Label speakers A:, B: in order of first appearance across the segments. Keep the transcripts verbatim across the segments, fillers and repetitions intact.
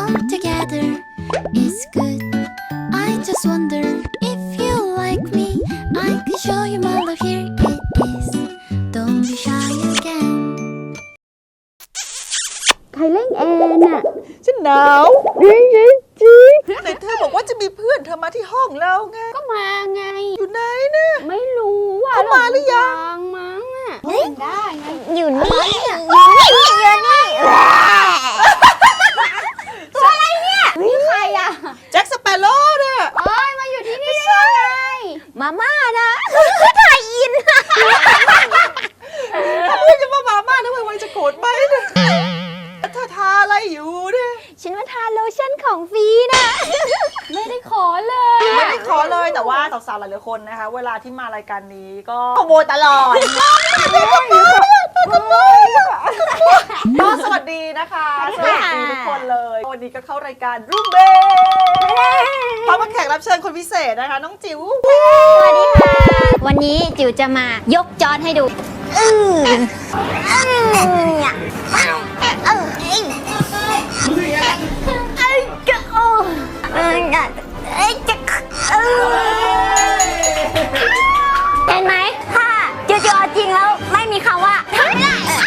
A: all together is good. I just wonder if you like me. I can show you my love. Here it is. Don't be shy again.
B: ใครเล่นแอนน่ะ
C: ฉันหนาวแต่เธอบอกว่าจะมีเพื่อนเธอมาที่ห้องเราไง
B: ก็มาไง
C: อยู่ไหนเนี่ย
B: ไม่รู้ว่า
C: เขามาหรือยัง
B: มั้งอ่ะได้ไง
D: อยู่นี่อยู่นี่อยู่นี่ตัวอะไรเนี่ย
B: นี่ใครอ่ะ
C: แจ็คสเปโร่เนี่ย
B: โอ้ยมาอยู่ที่นี่ได้ไง
D: มาม่านะถ่ายอิน
C: เพื่อนจะมามาม่านะวันจะโกรธไหมเนี่ยเธอทาอะไรอยู่เนี่ย
D: ฉันมาทาโลชั่นของฟรีนะ
B: ไม่ได้ขอเลย
C: ไม่ได้ขอเลยแต่ว่าสาวๆหลายๆคนนะคะเวลาที่มารายการนี้ก็ขโมยตลอดก็สวัสดีนะคะสวัสดีทุกคนเลยวันนี้ก็เข้ารายการรูปเบพร้อมกับแขกรับเชิญคนพิเศษนะคะน้องจิ๋ว
D: สวัสดีค่ะวันนี้จิ๋วจะมายกจอให้ดูอืออือเนี่ยเออเอ้ยเอ้ยจะโอ้เอ้ยเอ้ยจะเออเห็นไหมถ้าจิ๋วจะเอาจริงแล้วไม่มีคำว่าทำไม่ได้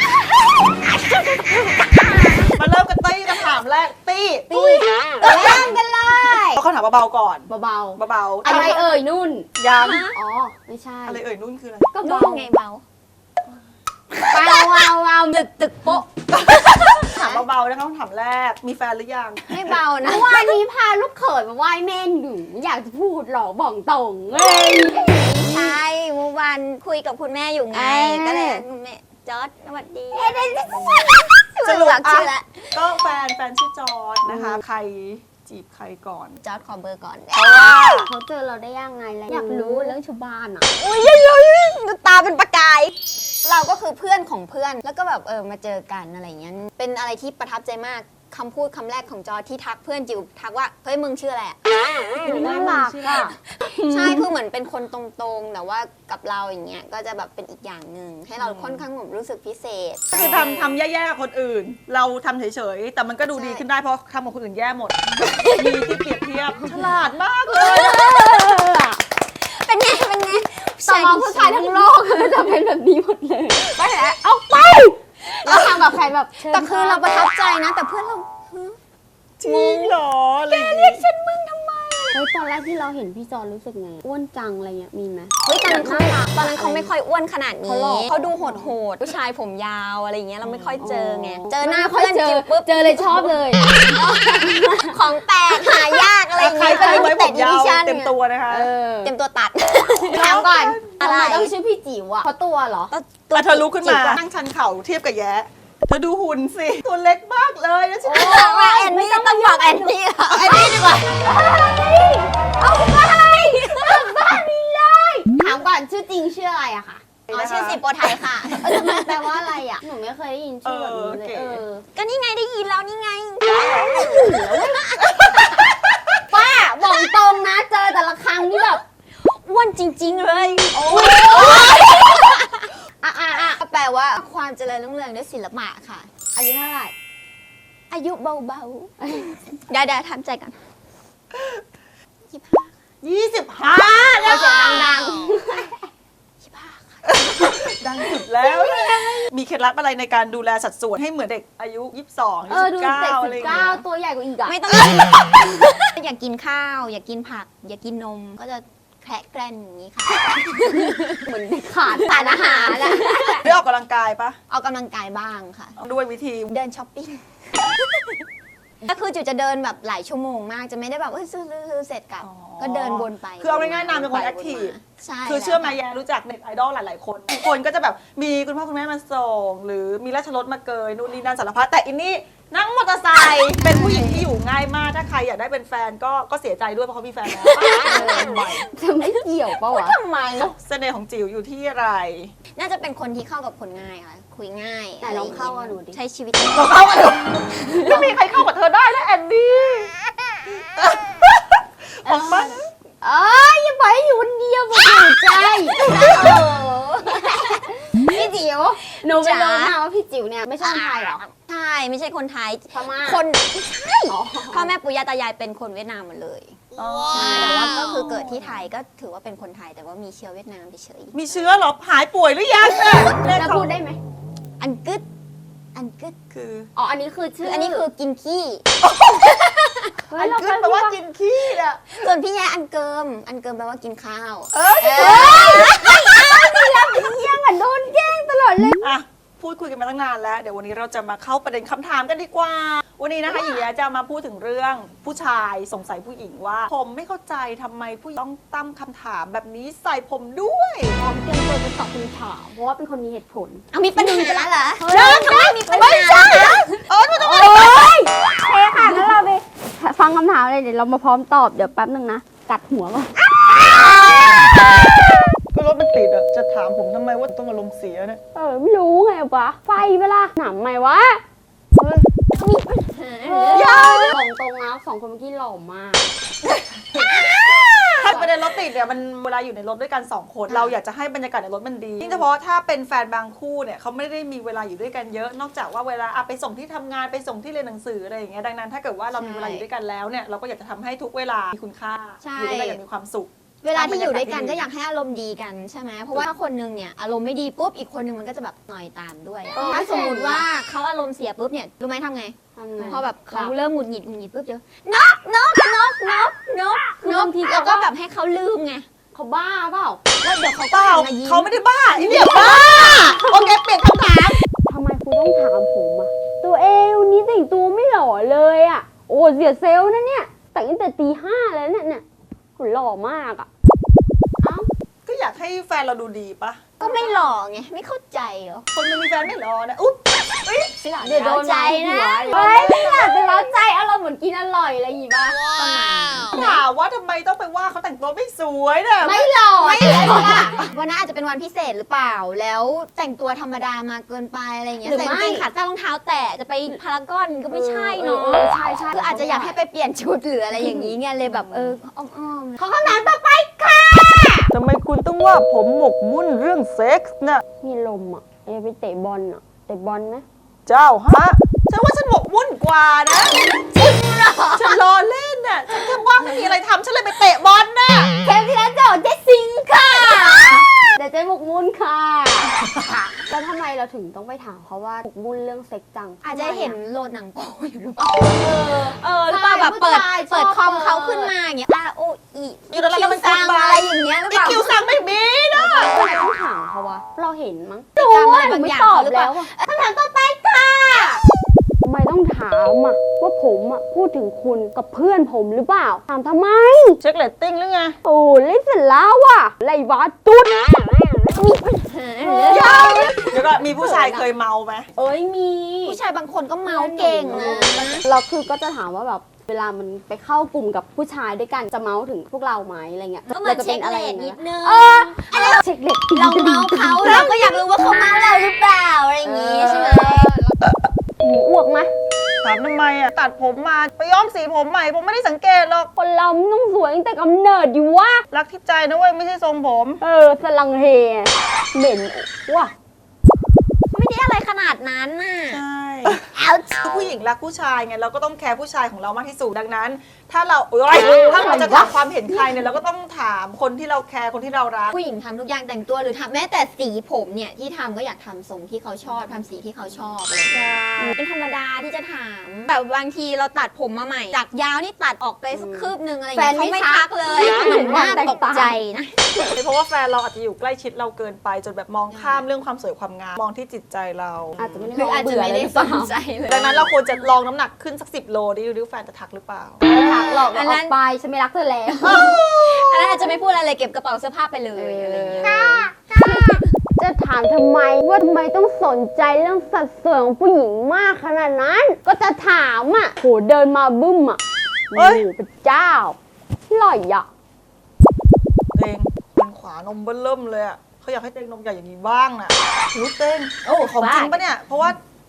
C: มาเริ่มกันตี้คำถามแรกตี้
B: ตีก็เล่นกันเลย
C: เอาคำถามเบาๆก่อน
B: เบา
C: เบา
B: ๆ
C: ๆ
B: อะไรเอ่ยนุ่น
C: ยัง
B: อ๋อไม่ใช่
C: อะไรเอ่ยนุ่นคืออะไร
B: ก็
D: นุ่
B: เบาน
D: ไงเบา
B: เบาเบาเบาตึกตึกโป๊ะ
C: ถามเบาๆนะคะคำถามแรกมีแฟนหรือยัง
B: ไม่เบานะวันนี้พาลูกเขยมาไหว้แม่หนูอยากจะพูดหรอบอกตรงเลย
D: ใช่เมื่อวานคุยกับคุณแม่อยู่ไง
B: เอ้ย
D: ก็เลยคุณแม่จอร์ดสวัสดี
C: สรุป
D: หลักชื่อละ
C: ก็แฟนแฟนชื่อจอร์ดนะคะ ใครจีบใครก่อน
D: จอร์ดขอเบอร์ก่อน
C: เพราะว่า
B: เขาเจอเราได้ยังไงล่ะอยากรู้เรื่องชาวบ้านอ่ะ
D: อุ้ยเยอะๆดูตาเป็นประกาย เราก็คือเพื่อนของเพื่อนแล้วก็แบบเออมาเจอกันอะไรอย่างเงี้ยเป็นอะไรที่ประทับใจมากคำพูดคำแรกของจอร์ดที่ทักเพื่อนจิ๋วทักว่าเฮ้ยมึงชื่ออะไรอะ
B: น่ารักอ่ะ
D: ใช่คือเหมือนเป็นคนตรงๆแต่ว่ากับเราอย่างเงี้ยก็จะแบบเป็นอีกอย่างหนึ่งให้เราค่อนข้างแบบรู้สึกพิเศษ
C: คือทำทำแย่ๆกับคนอื่น เราทำเฉยๆ แต่มันก็ดูดีขึ้นได้เพราะทำกับคนอื่นแย่หมด มีที่เปรียบเทียบฉลาดมากเลย
D: เป็นไงเป็นไง
B: ต่อมาผู้ชายทั้งโลกจะเป็นแบบนี้หมดเลยไปแล้วเอาไปเราทำกับใครแบบชิญ
D: แต่คือเราประทับใจนะ แต่เพื่อนเรา
C: จริงเหรออะไรอย่างงี้
D: ฉันมึงทำไม
B: เฮ้ยตอนแรกที่เราเห็นพี่จอนรู้สึกไงอ้วนจังอะไรเงี้ยมีไหม
D: เฮ้ยตอนนั้นเขาตอนนั้นเขาไม่ค่อยอ้วนขนาดนี้
B: เขาหล่อ
D: เขาดูโหดโหดๆผู้ชายผมยาวอะไรอย่างเงี้ยเราไม่ค่อยเจอไงเจอหน้า
B: ไม่ค่
D: เพื่อน
B: เจอ
D: จิ๋วปุ๊บ
B: เจอเลยชอบเลย
D: ของแปลกหายากอะไรอย่าง
C: ใคร
D: เงี้ย
C: ใครไว้ผมยาว
D: ดิชั่น
C: เต็มตัวนะคะ
B: เออ
D: เต็มตัวตัด
B: ถามก่อน
D: อะไร
B: ทำไมต้องชื่อพี่จิ๋วอะเพราะตัวเหรอ
C: แต่เธอลุกขึ้นมานั่งชันเข่าเทียบกับแย้เธอดูหุ่นสิ ตัวเล็กมากเลยนะฉัน
D: ว่าแอนนี่ต้องบอกแอนนี่เหรอแอนนี่ดีกว่า
B: เอาไปบ้านนี้เลย ถามก่อนชื่อจริงชื่ออะไรอะค่ะ
D: อ๋อชื่อสิโปไทยค่ะ
B: เออมันแปลว่าอะไรอะหนูไม่เคยได้ยินชื่อแบบนี้เลยเออ
D: ก็นี่ไงได้ยินแล้วนี่ไง
B: ป้าบอกตรงนะเจอแต่ละครั้งนี่แบบ
D: อ้วนจริง ๆ เลย
B: อ่ะอ่ะอ่ะ
D: ก็แปลว่าความเจริญรุ่งเรืองด้วยศิลปะค่ะ
B: อายุเท่าไหร่
D: อายุเบาๆเดี๋ยวเดี๋ยวทำใจก่อน
C: ยี่สิบห้า
B: เอาเสียงดัง
C: ดังสุดแล้ว มีเคล็ดลับอะไรในการดูแลสัดส่วนให้เหมือนเด็กอายุยี่สิบสอง
B: ๆ
C: ยี่
B: เออ
C: สิ
B: ดู
C: บเก้า
B: เด็ก
C: อะ
B: สิ
C: ไรอบ ย่าง
B: เก้า
C: เงี้ย
B: ตัวใหญ่กว่าอีกอะ
D: ไม่ต้อง อยากกินข้าว อยากกินผัก อยากกินนมก็จะแคระแกรนอย่างนี้ค่ะ
B: เหมือนเด็กขาดสารอาหารอะ
C: ได้ออกกำลังกายปะ
D: ออกกำลังกายบ้างค่ะ
C: ด้วยวิธี
D: เดินช้อปปิ้ง ก็คือจุดจะเดินแบบหลายชั่วโมงมากจะไม่ได้แบบเอ้ยซื้อซื้อเสร็จกลับ ก็เดินวนไป
C: คือเอาง่ายๆนามเป็นคนแอคทีฟ
D: ใช่
C: คือเชื่อไหมแยรู้จักเน็ตไอดอลหลายๆคนทุกคนก็จะแบบมีคุณพ่อคุณแม่มาส่ง หรือมีราชรถมาเกยนู่นนี่นั่นสารพัดแต่อินนี่นั่งมอเตอร์ไซค์เป็นผู้หญิงที่อยู่ง่ายมากถ้าใครอยากได้เป็นแฟนก็ก็เสียใจด้วยเพราะเขามีแฟนแล้ว
B: จะไม่เกี่ยวปะวะ
D: ทำไม
C: เสน่ห์ของจิ๋วอยู่ที่อะไร
D: น่าจะเป็นคนที่เข้ากับคนง่ายค่ะ คุยง่าย
B: แต่ลองเข้ากับหนูดิ
D: ใช้ชีวิต
C: เราเข้ากันไม่มีใครเข้ากับเธอได้นะแอนดี้ออกมา
B: เอ้ยอย่าปล่อยให้อยู่คนเดียวบอกหัวใจ
D: พี่จิ๋ว
B: หนูไป
D: จ๋า
B: รู้มาว่าพี่จิ๋วเนี่ยไม่ใช่คนไทยเหรอ
D: ใช่ไม่ใช่คนไทย
B: พม่า
D: คนไม่ใช่
B: อ๋อ
D: พ่อแม่ปู่ย่าตายายเป็นคนเวียดนามหมดเลยใช่แต่ว่าก็คือเกิดที่ไทยก็ถือว่าเป็นคนไทยแต่ว่ามีเชื้อเวียดนามเฉย
C: มีเชื้อเหรอหายป่วยหรือยังเนี่ยเลข
B: แล้ว
C: เขา
B: พูดได้ไหม
D: ๆอันกึดอันกึด
C: คือ
B: อ๋ออันนี้คือชื่
D: คือ ออันนี้คือกินขี้
B: เฮ้
C: อั
B: ย
C: น
B: เรา
C: ขึ้นแปลว่ากินขี้อ่ะ
D: ส่วนพี่แย่อันเกิม อันเกิมแปลว่ากินข้าว
C: เอ้ย
B: ยังอ่ะโดนแกล้งตลอดเลย
C: อ่ะพูดคุยกันมาตั้งนานแล้ว เดี๋ยววันนี้เราจะมาเข้าประเด็นคำถามกันดีกว่า วันนี้นะคะหญิงแย้จะมาพูดถึงเรื่องผู้ชายสงสัยผู้หญิงว่า ผมไม่เข้าใจทำไมผู้หญิงต้องตั้งคำถามแบบนี้ใส่ผมด้วย
B: พร้อมเตรียมตัวจะตอบคำถามเพราะว่าเป็นคนมีเหตุผล
D: เอามีปัญหาเหรอ
B: เฮ้ย
D: ทำไมมีปัญหาเหรอ
C: เออมันจะ
B: โอ้ยโอเคค่ะงั้นเราไปฟังคำถามเลยเดี๋ยวเรามาพร้อมตอบเดี๋ยวแป๊บนึงนะ กัดหัวก่อน
C: ก็รถมันติดอ่ะ จะถามผมทำไมว่าต้องอารมณ์เสียเนี่ย
B: เออไม่รู้ไงวะไฟเวลาหนำไหมวะ
C: ยาว
B: ของตรงนะสองคนเมื่อกี้หล่อมาก
C: ถ้าประเด็นรถติดเนี่ยมันเวลาอยู่ในรถด้วยกันสองคน เราอยากจะให้บรรยากาศในรถมันดียิ่งเฉพาะถ้าเป็นแฟนบางคู่เนี่ยเขาไม่ได้มีเวลาอยู่ด้วยกันเยอะ นอกจากว่าเวลาอะไปส่งที่ทำงานไปส่งที่เรียนหนังสืออะไรอย่างเงี้ยดังนั้นถ้าเกิดว่าเรามีเวลาอยู่ด้วยกันแล้วเนี่ยเราก็อยากจะทำให้ทุกเวลามีคุณค่า
D: ใช่
C: อยู่ด้วยกันอย่างมีความสุข
D: เวลาที่อยู่ด้วยกันก็อยากให้อารมณ์ดีกันใช่ไหมเพราะว่าถ้าคนนึงเนี่ยอารมณ์ไม่ดีปุ๊บอีกคนนึงมันก็จะแบบหน่อยตามด้วย
C: เออ
D: ถ้าสมมติว่าเขาอารมณ์เสียปุ๊บเนี่ยรู้ไหมทำไง
B: ทำไง
D: พอแบบเขาเริ่มหงุดหงิดหงุดหงิดปุ๊บเดี๋ยวนกนกนกนกนกนกแล้วก็แบบให้เขาลืมไง
B: เขาบ้าเปล่า
D: แล้วเดี๋ยวเขา
C: เป
D: ก็
C: ล่า
D: หันมายิ้ม
C: เขาไม่ได้บ้าไอ้เนี่ยบ้าโอเคเปลี่ยนคำถาม
B: ทำไมครูต้องถามผมอะตัวเอวนี้แต่งตัวไม่หล่อเลยอะโอ้เสียเซลล์นะเนี่ยแต่งตั้งแต่ตีห้าแล้วเนี่ยเนี่ยหุ่นหล่อมากอะเอ้า
C: ก็อยากให้แฟนเราดูดีปะ
D: ก็ไม่หล่อไงไม่เข้าใจเหรอ
C: คนมันมีแฟนไม่รอนะอุ๊บ
D: เดี๋ยวโดนใจนะ
B: เฮ้ยไม่อยากจะเล้าใจอารมณ์เหมือนกินอร่อยอะไรอย่างงี้ป่ะ
C: ถามว่าทำไมต้องไปว่าเขาแต่งตัวไม่สวยเนี่ย
B: ไม่หล่อ
D: ไม่
B: ไม่
D: ห
B: ห
D: ล่
B: ล่
D: อ
B: อ
D: วันนั้นอาจจะเป็นวันพิเศษหรือเปล่า แล้วแต่งตัวธรรมดามาเกินไปอะไรเงี้ย
B: หรือ
D: ใส่
B: ไม่
D: กางเกงขาสั้นรองเท้าแตะจะไปพารากอนก็ไม่ใช่เนาะ
B: เออใช่ใช่
D: คืออาจจะอยากให้ไปเปลี่ยนชุดหรืออะไรอย่างนี้ไงเลยแบบเอออ้อมๆ
B: ขอคำถามต่อไปค่ะ
C: ทำไมคุณต้องว่าผมหมกมุ่นเรื่องเซ็กส์เนี่ย
B: มีลมอ่ะเอไปเตะบอลอ่ะเตะบอลไหม
C: เจ้าฮะฉันว่าฉันหมกมุ่นกว่านะจริงเหรอฉันรอเล่นน่ะฉันแค่ว่างไม่มีอะไรทำฉันเลยไปเตะบอลน่ะ
B: เทปที่แล้วเจอเจสซิงค่ะเดี๋ยวเจ๊หมกมุ่นค่ะแล้วทำไมเราถึงต้องไปถามเขาว่าหมกมุ่นเรื่องเซ็กจัง
D: อาจจะเห็นโหลดหนังโป๊อยู่หรือเปล่า
B: เออ
D: เออหรือเปล่าแบบเปิด
B: ผู้ชาย
D: เปิดคอม
B: ชอบ
D: เขาขึ้นมาอย่างเงี้ย R O E
C: อยู่แล้วแล้วมัน
D: ซั
C: กด
D: ง
C: บา
D: อะไร
C: ย
D: อย่างเงี้ยหรือ
C: อี
D: เปล่า
C: คิวสั่งไม่มีนะ
B: ทำไมต้องถามเขาวะเราเห็นมั้ง
D: พฤติกรรมอะไรบางอย่างเขาหรือเปล่า
B: คำถามต่อไปค่ะทำไมต้องถามอ่ะว่าผมอ่ะพูดถึงคุณกับเพื่อนผมหรือเปล่า ถามทำไม
C: เช็คเรตติ้งหรือไง
B: โอ้เล่นเสร็จแล้วอ่ะไรวะตุ๊ด
C: เดี๋ยวก็มีผู้ชายเคยเมาไหม
B: เอ้ยมี
D: ผู้ชายบางคนก็เมาเก่งนะ
B: เราคือก็จะถามว่าแบบเวลามันไปเข้ากลุ่มกับผู้ชายด้วยกันจะเมาถึงพวกเราไหมอะไรเงี้ย
D: ก็เหมือน
B: จะ
D: เช็
B: เป็
D: คน
B: อะไร
D: เล
B: อ
D: ท
B: ย่าง
D: นิ
B: เงี้
D: ด
B: ย
D: นึง
B: เออเช็คเด็ก
D: เราเมาเขาเราก็อยากรู้ว่าเขาเมาเราหรือเปล่าอะไรอย่างงี้ใช่ไหม
B: หมูอ้วกไหม
C: ถามทำไมอ่ะตัดผมมาไปย้อมสีผมใหม่ผมไม่ได้สังเกตหรอก
B: คนเรามันต้องสวยตั้งแต่กำเนิดอยู่วะ
C: รักที่ใจนะเว้ยไม่ใช่ทรงผม
B: เออสลังเฮเหม็นว่ะ
D: ไม่ได้อะไรขนาดนั้นน่ะ
C: ใช่
D: เอา
C: คือผู้หญิงรักผู้ชายไงเราก็ต้องแคร์ผู้ชายของเรามากที่สุดดังนั้น ถ้าเราโอ๊ยถ้าเราจะถามความเห็นใครเนี่ยเราก็ต้องถามคนที่เราแคร์คนที่เรารัก
D: ผู้หญิงทำทุกอย่างแต่งตัวหรือทำแม้แต่สีผมเนี่ยที่ทำก็อยากทำทรงที่เขาชอบทำสีที่เขาชอบอะไรอย่างเงี้ยเป็นธรรมดาที่จะถามแบบบางทีเราตัดผมมาใหม่ จากยาวนี่ตัดออกไปสักคืบนึงอะไรอย่างเงี้ยเขาไม่ทักเลยเหมือนน่าตกใจนะ
C: เพราะว่าแฟนเราอาจจะอยู่ใกล้ชิดเราเกินไปจนแบบมองข้ามเรื่องความสวยความงามมองที่จิตใจเรา
B: อาจจะไม่ได้
D: หรืออาจจะไม่ได้สนใจเลย
C: ดังนั้นเราควรจะลองน้ำหนักขึ้นสักสิบโลดิดูแฟนจะทักหรือเปล่า
B: ไม่ทักหรอก
D: อัน
B: อ
D: นั้
B: อน กไปฉันไม่รักเธอแล้ว
D: อันนั้นอาจจะไม่พูดอะไรเลยเก็บกระเป๋าเสื้อผ้าไปเลยอะไรอย่างเงี้ย
B: จะถามทำไมว่าทำไมต้องสนใจเรื่องสัดส่วนของผู้หญิงมากขนาดนั้น ก็จะถามอ่ะโหเดินมาบึ้มอ่ะ
C: เฮ้
B: โอ้
C: ย
B: โหพระเจ้าหล่อยอ่ะ
C: เต็งเป็นขวานมเบิ้ลเริ่มเลยอ่ะเขาอยากให้เต็งนมใหญ่อย่างนี้บ้างน่ะหูเต็งโอ้ของจริงปะเนี่ยเพราะว่า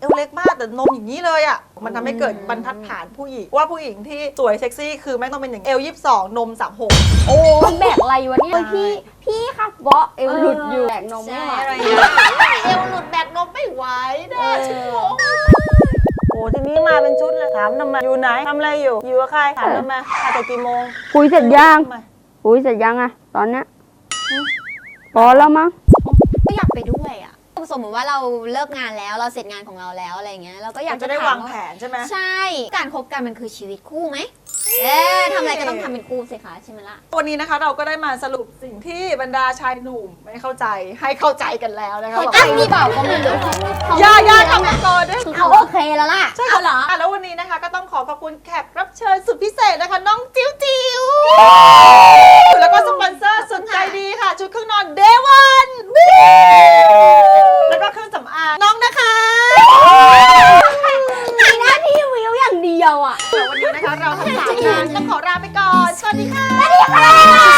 C: วเล็กมากแต่นมอย่างนี้เลยอ่ะมันทำให้เกิดบรรทัดฐานผู้หญิงว่าผู้หญิงที่สวยเซ็กซี่คือแม่งต้องเป็นอย่างเอลยี่สิบสองนมสามหก
B: โอ้แบกอะไรวะเนี่ยพี่พี่ค่ะเบาะเอวหลุดอยู่แบกนมไม่ไหว
D: อะไร
C: เอวหลุดแบกนมไม่ไหวเด้อชิโม
E: โอ้ทีนี้มาเป็นชุดเลยถามทำไมอยู่ไหนทำอะไรอยู่อยู่กับใครถามทำไมมาแต่กี่โมง
B: คุยเสร็จยัง
E: ทำไม
B: คุยเสร็จยังอะตอนเนี้ยพอแล้วมั้ง
D: ก็อยากไปด้วยอ่ะสมมติว่าเราเลิกงานแล้วเราเสร็จงานของเราแล้วอะไรเงี้ยเราก็อยาก
C: จะได้วางแผนใช่ไหม
D: ใช่การคบกันมันคือชีวิตคู่ไหมเอ๊ะทำอะไรก็ต้องทำเป็นคู่สิคะใช่ไหมล่ะ
C: วันนี้นะคะเราก็ได้มาสรุปสิ่งที่บรรดาชายหนุ่มไม่เข้าใจให้เข้าใจกันแล้วนะคะ
D: เข้าใจหรือเปล่าก็ไม่รู้
C: อย่าอย่าทำมาก่อนด้วย
D: เขาโอเคแล้วล่ะ
C: ใช่ค่ะอ่ะแล้ววันนี้นะคะก็ต้องขอขอบคุณแขกรับเชิญสุดพิเศษนะคะ น้องจิ๋วจิ๋วแล้วก็สปอนเซอร์สุดใจดีค่ะ ชุดเครื่องนอนเดวันแล้วก็เครื่องสำอางน้องนะคะ
B: มีหน้าที่วิวอย่างเดียวอะ
C: เดี๋ยววันนี้นะคะเราทั้งสามคนต้องขอลาไปก่อน สวัสดีค่ะ
D: สวัสดีค่ะ